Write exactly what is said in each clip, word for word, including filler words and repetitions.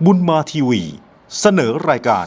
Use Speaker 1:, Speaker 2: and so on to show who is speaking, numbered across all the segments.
Speaker 1: บุญมาทีวีเสนอรายการ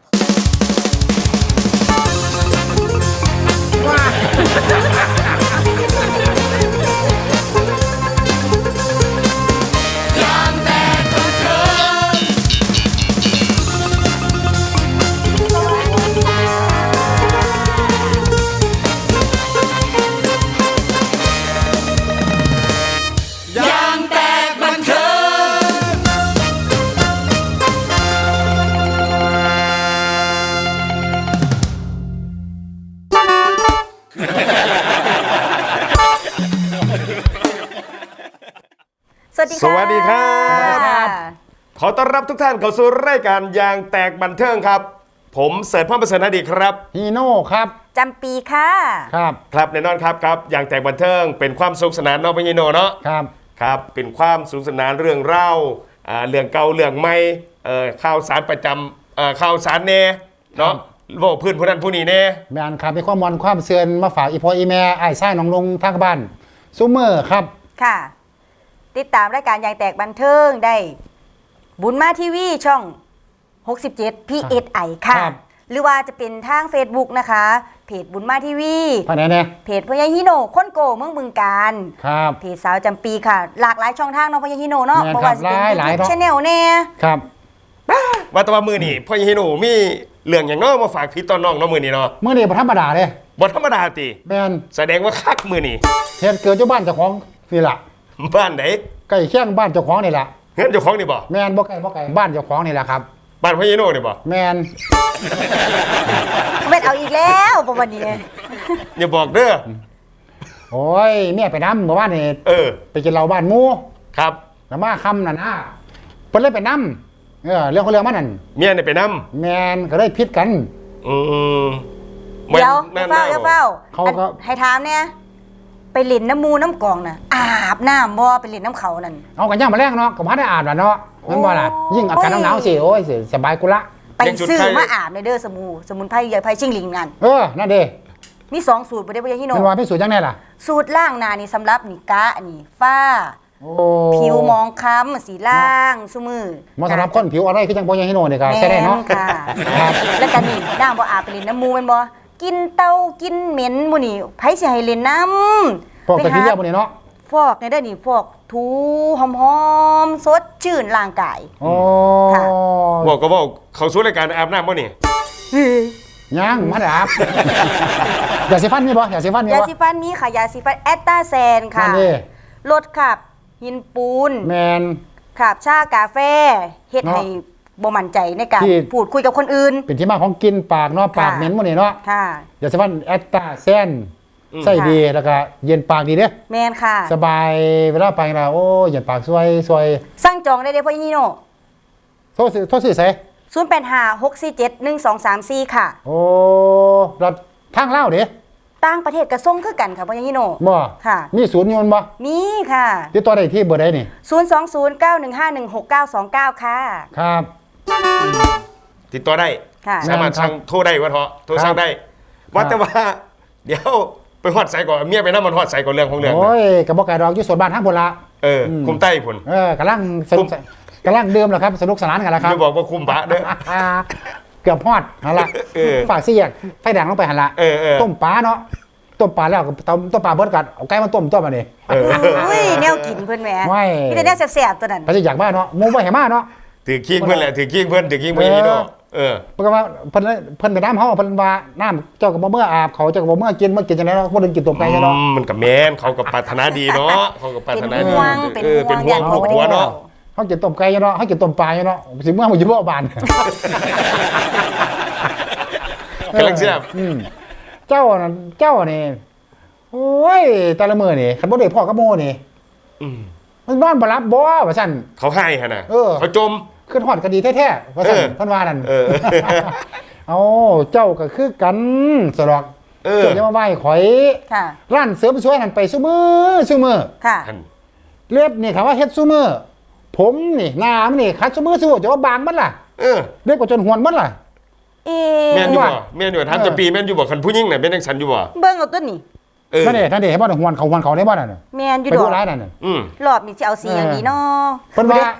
Speaker 2: สวัสดี
Speaker 3: สวัสดีครับ
Speaker 2: บ
Speaker 3: ขอต้อนรับทุกท่านเข้าสู่รายการยางแตกบันเทิงครับผมเสริฐพรประเสริฐอดีตครับ
Speaker 4: ฮีโน่ครับ
Speaker 2: จำปีค่ะ
Speaker 4: ครับ
Speaker 3: ครับแน่นอนครับครับยางแตกบันเทิงเป็นความสนุกสนานเนาะพี่โนเนาะ
Speaker 4: ครับ
Speaker 3: ครับเป็นความสนุกสนานเรื่องเล่าอ่าเรื่องเก่าเรื่องใหม่เอ่อข่าวสารประจำเอ่อข่าวสารแน่เนาะโลกพื้นผู้นั้นผู้นี้แน่
Speaker 4: แมนครับมีความมอนความเสื่อนมาฝากอีพออีแม่ไอ้ไส้น้องลงทางบ้านซูเมอร์ครับ
Speaker 2: ค่ะ ติดตามรายการยางแตกบันเทิงได้ บุญมาทีวีช่อง หกสิบเจ็ด พี เอส ไอ ค่ะ
Speaker 4: ครับ
Speaker 2: หรือว่าจะเป็นทาง Facebook นะคะ เพจบุญมาทีวี
Speaker 4: ภายในเนี่ย
Speaker 2: เพจพญาฮิโนคนโกเมืองบึงการ
Speaker 4: ครับ
Speaker 2: เพจสาวจำปีค่ะ หลากหลายช่องทางเนาะพญาฮิโนเนาะ
Speaker 4: แม่น
Speaker 2: เพราะว่าจะเป็น
Speaker 4: ครับหลายๆ
Speaker 2: ยูทู
Speaker 4: เนาะ
Speaker 2: บชาแนลแน่
Speaker 4: ครับ
Speaker 3: ว่าแตว่ามือนี่พ่อยิโนมีเรื่องอย่างเน้อมาฝากพี่ต้อนน้องเนาะมือนี่เนาะ
Speaker 4: เมื่อนี้บ่ธรรมดาเลย
Speaker 3: บ่ธรรมดาติ
Speaker 4: แมน
Speaker 3: แสดงว่าคักมือนี่
Speaker 4: เหตุเกิดเจ้าบ้านเจ้าของนี่ล่ะ
Speaker 3: บ้านไหน
Speaker 4: ใกล้เคียงบ้านเจ้าของนี่ล่ะ
Speaker 3: เงินเจ้าของนี่บ่
Speaker 4: แมนบ่ไกลบ่ไกลบ้านเจ้าของนี่ล่ะครับ
Speaker 3: บ้านพ่อยิโนนี่บ่
Speaker 4: แมน
Speaker 2: เม็ดเอาอีกแล้วประวันนี้
Speaker 3: อย่าบอกเด้อ
Speaker 4: โอ้ยเมียไปน้ำเมื่อวานนี่
Speaker 3: เออ
Speaker 4: ไปกินเหล้าบ้านหมู่
Speaker 3: ครับ
Speaker 4: แล้วมาค่ำนั่นนะเพิ่นเลยไปน้ำเออเรื่องของเรื่องมันนั่น
Speaker 3: เมียนี่ไปนำ
Speaker 4: แมนก็เลยพิษกัน
Speaker 3: อืม
Speaker 2: เดี๋ยว
Speaker 3: นั่น
Speaker 2: เฝ้าเดี๋ยวเฝ้า
Speaker 4: เขาก็
Speaker 2: อันให้ถามเนี่ยไปเล่นน้ำมูน้ำกองน่ะอาบน้ำบ่ไปเล่นน้ำเขานั่น
Speaker 4: เอากันย่างมาแรกเนาะก็มาได้อาบแล้วเนาะแมันบ่ล่ะ
Speaker 2: โอ้ย
Speaker 4: ยิ่งอากาศหนาวๆสิโอ้ยสิสบายกุละ
Speaker 2: ไปซื้อมาอาบในเด้อสมูสมุนไพรใหญ่ไพรชิงหลิงนั่น
Speaker 4: เออนั่นเด้
Speaker 2: มีสองสูตรบ่ได้บ่ยังฮิโน
Speaker 4: มันว่าพิสูจน์จังได๋ล่ะ
Speaker 2: สูตรล่างหน้านี่สำหรับนี่กะนี่ฝ้า
Speaker 4: โอ้
Speaker 2: ผิวมองคล้ำสีล่างซุมือ
Speaker 4: เหมาะสำหรับคนผิวอะไรคือจังบ่ยังฮิโนนี่ก็ใช้ได้เนาะ
Speaker 2: แม่นค่ะ
Speaker 4: ครับ
Speaker 2: แล้วก็นี่น้ำบ่อาบไปเล่นน้ำมูแม่นบ่กินเตากินเหม็นหมู่นี่ไผสิให้เล่นน้ำ
Speaker 4: พวกตะกี้เรียกบ่นี่เนาะ
Speaker 2: ฟอกในได้อนี่ฟอกถูหอมๆสดชื่นร่างกาย
Speaker 4: โอ้
Speaker 2: ค่ะ
Speaker 3: บอกก็บอกเขาสู้รายการอาบน้ำบ่นี่
Speaker 4: ยังมาได้อาบ อย่าสิฟันมีบ่อย่าสิฟันมี
Speaker 2: ยา
Speaker 4: บ่
Speaker 2: สีฟันมีค่ะยาสีฟันแอตตาแซนค่ะ
Speaker 4: นั่นดิ
Speaker 2: ลดขับหินปูน
Speaker 4: แมน
Speaker 2: ขับชากาแฟเฮ็ด
Speaker 4: เนาะ
Speaker 2: ให้บ่มั่นใจในการ
Speaker 4: ที่
Speaker 2: พูดคุยกับคนอื่น
Speaker 4: เป็นที่มาของกินปากเนาะปากเหม็นบ่นี่เนาะ
Speaker 2: ค่ะ
Speaker 4: อย่าสิฟันแอตตาแซนใส่ดีแล้วก็เย็นปากดีเด้
Speaker 2: แมนค่ะ
Speaker 4: สบายเวลาไปแล้วโอ้เย็นปากสวยสวย
Speaker 2: สั่งจองได้เลยพ่อยี่โน่
Speaker 4: โทษสิโทษสิใส่
Speaker 2: ศูนย์ แปด ห้า หก สี่ เจ็ด หนึ่ง สอง สาม สี่ ค่ะ
Speaker 4: โอ้รัดทางเล่าวเด้
Speaker 2: ต่างประเทศกระส่งคือกันค่ะพ่อยี่โน่
Speaker 4: บ่
Speaker 2: ค่ะ
Speaker 4: มีศูนย์อยนต์บ่
Speaker 2: มีค่ะ
Speaker 4: ติดต่อได้ที่เบอร์ใดนี่
Speaker 2: ศูนย์ สอง ศูนย์ เก้า หนึ่ง ห้า หนึ่ง หก เก้า สอง เก้า ค่ะ
Speaker 4: ครับ
Speaker 3: ติดต่อได้
Speaker 2: ค่ะ
Speaker 3: สามารถสั่งโทรได้ว่าเถอะโทรสั่งได้ ว่าแต่ว่า เดี๋ยวไปฮอดใส่ก่อนเมียไปน้ำมันฮอดใส่ก่อนเรื่องของเรื่อง
Speaker 4: โอ้ยกระบอกไก่ดอกอยู่สวนบ้านทั้งหมดละ
Speaker 3: เออคุมใต้ผล
Speaker 4: เออกำลังสนุกกำลังเดิมแล้วครับสนุกสนานกันแล้วครับ
Speaker 3: จะบอกว่าคุมบะเด้อ
Speaker 4: เกือบฮอดหันละ
Speaker 3: เออ
Speaker 4: ฝากซี่แยกไฟแดงลงไปหันละ
Speaker 3: เออเออ
Speaker 4: ต้มปลาเนาะต้มปลาแล้วก็ต้มต้มปลาเบิดกันเอาไก่มาต้มต้มมาดิ
Speaker 3: เออ
Speaker 2: อุ้ยแนวกินเพื่อนแหม่
Speaker 4: ไม่
Speaker 2: มีแต่แนวแสบๆตัวนั้น
Speaker 4: ไปจะอยากบ้านเนาะมุ้งไปเห็นมาเนาะ
Speaker 3: ถือขี้เพื่อนแหละถือขี้เพื่อนถือขี้เพื่อนยี่โน่เออ
Speaker 4: เพราะว่าเพิ่นเพิ่นไปน้ำเฮาเพิ่นว่าน้ำเจ้าก็บ่เมื่ออาบเขาเจ้าก็บ่เมื่อกินเมื่อกินจังได๋เนาะบ่ได้กินต้มไก่เนาะ
Speaker 3: อืมมันกับแมนเขากับปรารถนาดีเนาะเขากับปรารถนา
Speaker 2: เป็น
Speaker 3: ดี
Speaker 2: ห่วง
Speaker 3: เออ
Speaker 2: เป็
Speaker 3: เป็น
Speaker 2: นห่
Speaker 3: ห่ว
Speaker 2: ว
Speaker 3: ง
Speaker 2: ง
Speaker 3: ครอบครัวเนาะ
Speaker 4: เฮากินต้มไก่เนาะเฮากินต้มปลาเนาะสิเมื่อมันอยู่บ่บาน
Speaker 3: กำลังเสียบ
Speaker 4: อืมเจ้าน่ะเจ้านี่โอ้ยแต่ละมื้อนี่คันบ่ได้พ่อกับโมนี่
Speaker 3: อืม
Speaker 4: มันนอนบ่หลับบ่ว่าซั่น
Speaker 3: เขาให้ฮะน่ะ
Speaker 4: เออ
Speaker 3: เขาจม
Speaker 4: ขึ้นฮอดก็ดีแท้ๆว่าซั่น
Speaker 3: เออ
Speaker 4: เพิ่นว่านั่น
Speaker 3: เออ
Speaker 4: เอาเจ้าก็คือกันสลอก
Speaker 3: เออ
Speaker 4: เจ้าจะมาไหว้ข่อย
Speaker 2: ค่ะ
Speaker 4: ร้านเสริมสวยนั่นไปซุมื้อซุมื้อ
Speaker 2: ค่ะ
Speaker 3: ท่าน
Speaker 4: เล็บนี่คำว่าเฮ็ดซุมื้อผมนี่หน้ามันนี่คัดซุมื้อซุมื้อจะว่าบางมันล่ะ
Speaker 3: เออ
Speaker 4: เล็บก็จนหวนมันล่ะ
Speaker 2: เอ๊
Speaker 3: แม่นอยู่
Speaker 2: ะ
Speaker 3: บ่แม่นอยู่ทำจะปีแม่นอยู่บ่คันผู้หญิงน่ะเป็นจังสันอยู่บ่
Speaker 2: เบิ่งเอาตัวนี้
Speaker 3: เออ
Speaker 4: นั่นเด้นั่นเด้ให้บ่ได้หวนเขาหวนเขาได้บ่นั่นน่ะ
Speaker 2: แมนอยู่
Speaker 4: ไป
Speaker 2: ด
Speaker 4: ดู
Speaker 2: อก
Speaker 4: ร้ายนั่นน่ะ
Speaker 3: อืม
Speaker 2: รอบนี้จะเอาสีอย่างนี้เนาะ
Speaker 4: เพิ่นว่า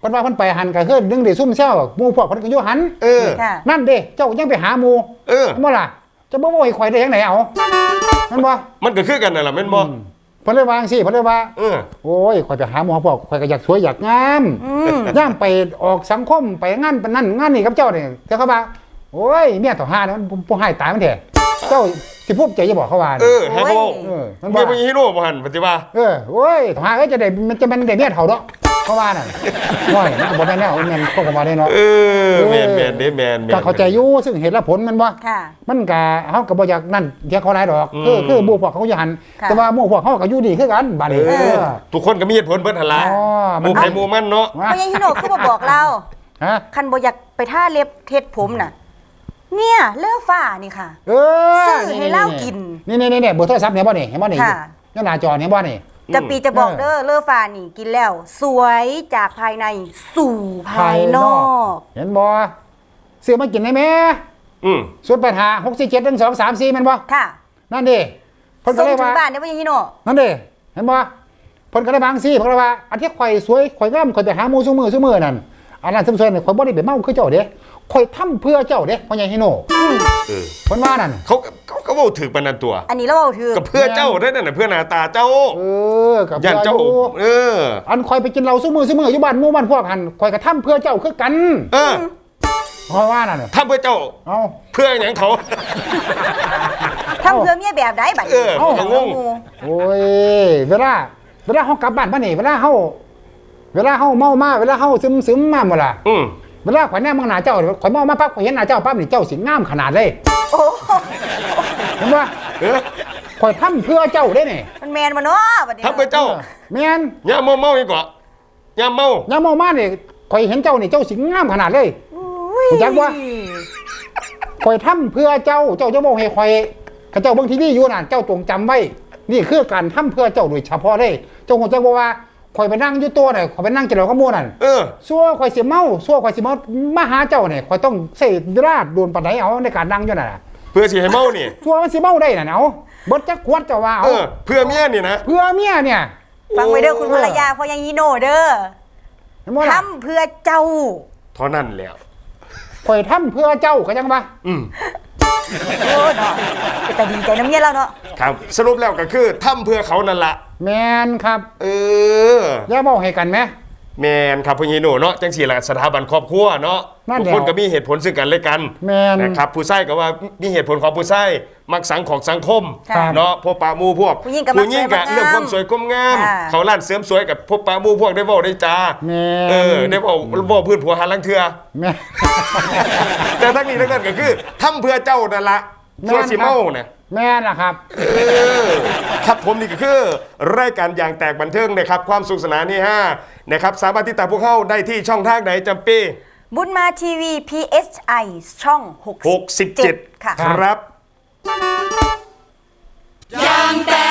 Speaker 4: เพิ่นว่าเพิ่นไปหันก็คือดึงได้ซุ่มเซาหมู่พวกเพิ่นก็อยู่หัน
Speaker 3: เออ
Speaker 2: ค่ะ
Speaker 4: นั่นเด้เจ้ายังไปหาหมู่
Speaker 3: เออ
Speaker 4: บ่ล่ะจะบ่บ่ให้ข่อยได้จังไดเอามันบ่
Speaker 3: มันก็คือกันนั่นแหละแม่นบ่
Speaker 4: เพิ่นเลยวาจังซี่เพิ่นเลยว่า
Speaker 3: เออ
Speaker 4: โอ้ยข่อยไปหาหมอพวกข่อยก็อยากสวยอยากงาม
Speaker 2: อืม
Speaker 4: ย่ามไปออกสังคมไปงานปานนั่นงานนี่กับเจ้านี่แต่เขาว่าโอ้ยเมียต่อหาเนี่ยมันผู้ให้ตายมันแท้เจ้าสิภูมิใจจะบอกเขาว่า
Speaker 3: เออให้เขา
Speaker 4: เออมัน
Speaker 3: เมี
Speaker 4: บ่
Speaker 3: ยเป็นฮีโร่บ่หันปฏิว่า
Speaker 4: เออโอ้ยต่อหาเอ้ยจะได้มันจะมันได้เมียเฒ่าเนาะเขาว่านั่นโอ้ยมันก็บ่ได้แนวแม่นพวกก็บ่ได้เนาะ
Speaker 3: เออแม่นแม่นเด้แม่นแม่น
Speaker 4: ก็เข้าใจอยู่ซึ่งเหตุและผลมันบ่
Speaker 2: ค่ะ
Speaker 4: มันก็เฮาก็บ่อยากนั่นเที่ยเขาหลายดอก
Speaker 3: อืม
Speaker 4: คือคือหมู่พวกเขาอยู่หัน
Speaker 2: ค่ะ
Speaker 4: แต่ว่าหมู่พวกเขาก็อยู่ดีคือกันบัดนี้
Speaker 3: เอ
Speaker 4: เอ
Speaker 3: อ
Speaker 4: อ
Speaker 3: ทุกคนก็มีเหตุผลเบิดหั่นล่ะ
Speaker 4: อ๋อ
Speaker 3: ห
Speaker 4: มัน
Speaker 3: มู่ไผหมู่มันเนาะ
Speaker 4: ว่า
Speaker 2: เพราะยังฮิโนคือบ่บอกเรา
Speaker 4: ฮะ
Speaker 2: คันบ่อยากไปท่าเล็บเทศผมน่ะ เนี่ยเลือฟ้านี่ค่ะ
Speaker 4: เออ
Speaker 2: ซื้อให้เหล้ากิน
Speaker 4: นี่นี่นี่เบอร์โทรศัพท์เนี่ยบ่นี่เห็นบ่นี่
Speaker 2: ค่ะ
Speaker 4: นี่หน้าจอเนี่ยบ่นี่
Speaker 2: จะปีจะบอกเด้อเลือฟ้านี่กินแล้ว สวยจากภายในสู่ภายนอก
Speaker 4: เห็นบ่ซื้อมากินได้ไหม
Speaker 3: อืม
Speaker 4: ศูนย์แปดห้า หกสี่เจ็ด หนึ่งสองสามสี่แม่นบ่
Speaker 2: ค่ะ
Speaker 4: นั่นดิเพิ่นก็
Speaker 2: ส่ง
Speaker 4: เลย
Speaker 2: ถึ
Speaker 4: ว่าง
Speaker 2: บ้านได้บ่ยังฮิโน
Speaker 4: นั่นดิเห็นบ่เพิ่นก็เลยบาจั่งซี่เพิ่นก็เลยว่าอันที่ข่อยสวยข่อยงามข่อยไปหาหมู่ซุมื้อซุมื้อนั่นอันนั้นซุมซวยนี่ข่อยบ่ได้ไปเมาคือเจ้าเด้ข่อยทำเพื่อเจ้าเด้พ่อใหญ่ฮิโน
Speaker 3: เออ
Speaker 4: เพิ่นว่านั่น
Speaker 3: เขาเขาเขาเว้าถึกปานนั้นตัว
Speaker 2: อันนี้เราเอาถือ
Speaker 3: ก็เพื่อเจ้าได้นั่นน่ะเพื่อหน้าตาเจ้า
Speaker 4: เออกับ
Speaker 3: ย่านเจ้า
Speaker 4: อยู่
Speaker 3: เออ
Speaker 4: อันข่อยไปกินเหล้าซุมื้อซุมื้ออยู่บ้านหมู่บ้านพวกหันข่อยก็ทำเพื่อเจ้าคือกัน
Speaker 3: เออ
Speaker 4: เพราะว่านั่นน่ะ
Speaker 3: ทำเพื่อเจ้า
Speaker 4: เอ้า
Speaker 3: เพื่อหยังเขา
Speaker 2: ทำเพื่อเมียแบบใดบัด
Speaker 3: เออ
Speaker 2: นี้
Speaker 3: ผมก็งง
Speaker 4: โอ้ยเวลาเวลาเฮากลับบ้านมานี่เวลาเฮาเวลาเฮาเมามาเวลาเฮาซึมซึมมาหมดล่ะ
Speaker 3: อืม
Speaker 4: เวลาข่อยแนมมองหน้าเจ้าข่อยเมามาปั๊บข่อยเห็นหน้าเจ้าปั๊บนี่เจ้าสิงามขนาดเลย
Speaker 2: โอ้
Speaker 4: เห็นบ่
Speaker 3: เออ
Speaker 4: ข่อยทำเพื่อเจ้าได้นี่
Speaker 2: มันแมนบ่เนาะบัดนี้
Speaker 3: ทำเพื่อเจ้า
Speaker 4: แม่น
Speaker 3: ย่าเมาเมาอีกกว่าย่าเมา
Speaker 4: ยามเมามานี่ข่อยเห็นเจ้านี่เจ้าสิงามขนาดเลย
Speaker 2: อุ้ย
Speaker 4: รู้จักบ่ ข่อยทำเพื่อเจ้าเจ้าจะบอกให้ข่อยข้าเจ้าเบิ่งทีวีอยู่นั่นเจ้าจงจำไว้นี่คือการทำเพื่อเจ้าโดยเฉพาะเลยเจ้าคงจะบอกว่าข่อยไปนั่งอยู่ตัวน่ะข่อยไปนั่งกินเหล้ากับหมู่นั่น
Speaker 3: เออ
Speaker 4: ซัวข่อยสิเมาซัวข่อยสิมามาหาเจ้าเนี่ยข่อยต้องใช้เวลาโดนปานใดเอาในการนั่งอยู่นั่นน่ะ
Speaker 3: เพื่อสิให้เมานี่
Speaker 4: ซัวมันสิเมาได้น่ะเอาเบิดจักขวดเจ้าว่า
Speaker 3: เอ
Speaker 4: เอา
Speaker 3: อ เพื่อเมียนี่นะ
Speaker 4: เพื่อเมียเนี่ย
Speaker 2: ฟังไว้เด้อคุณภรรยาเพราะยังฮิโนเด้อ
Speaker 4: เห็นบ่ล่ะ
Speaker 2: ทำเพื่อเจ้า
Speaker 3: เท่านั้นแล้ว
Speaker 4: ข่อยทำเพื่อเจ้าก็จังว่า
Speaker 3: อืม
Speaker 2: โอ้เนาะแต่ดีใจน้ำเมียเราเนาะ
Speaker 3: ครับ สรุปแล้วก็คือทำเพื่อเขานั่นละ
Speaker 4: แม่นครับ
Speaker 3: เออ
Speaker 4: อย่าเว้าให้กันแหม
Speaker 3: แมนครับพี่โนเนาะจังสี่ละสถาบันครอบครัวเนาะ
Speaker 4: นั่น
Speaker 3: ทุก
Speaker 4: แหละ
Speaker 3: คนก็มีเหตุผลซึ่งกันและกัน
Speaker 4: แม่น
Speaker 3: นะครับผู้ใช้ก็ว่ามีเหตุผลของผู้ใช้มักสังของสังคม
Speaker 2: ครับ
Speaker 3: เนาะพบปะหมู่พวก
Speaker 2: ผู้หญิงก็มัก
Speaker 3: หญิงก็
Speaker 2: สวย
Speaker 3: เรื่องความสวยความงาม
Speaker 2: ค่ะ
Speaker 3: เขาล้านเสริมสวยกับพบปะหมู่พวกได้เว้าได้จา
Speaker 4: แม่
Speaker 3: เออได้เว้าเว้าพื้นผัวหาลังเทือ
Speaker 4: แม่
Speaker 3: แต่ทั้งนี้ทั้งนั้นก็คือทำเพื่อเจ้านั่นละส่วนสิเมาเนี่ย
Speaker 4: แม่ล่ะครับ
Speaker 3: เออครับผมนี่ก็คือรายการอย่างแตกบันเทิงนะครับความสุขสนานนี่ฮะนะครับสามารถติดตามพวกเขาได้ที่ช่องทางไหนจำปี
Speaker 2: บุญมาทีวี พี เอส ไอ ช่อง
Speaker 3: หกสิบเจ็ด
Speaker 2: ค่ะ
Speaker 3: ครับ
Speaker 2: ยางแต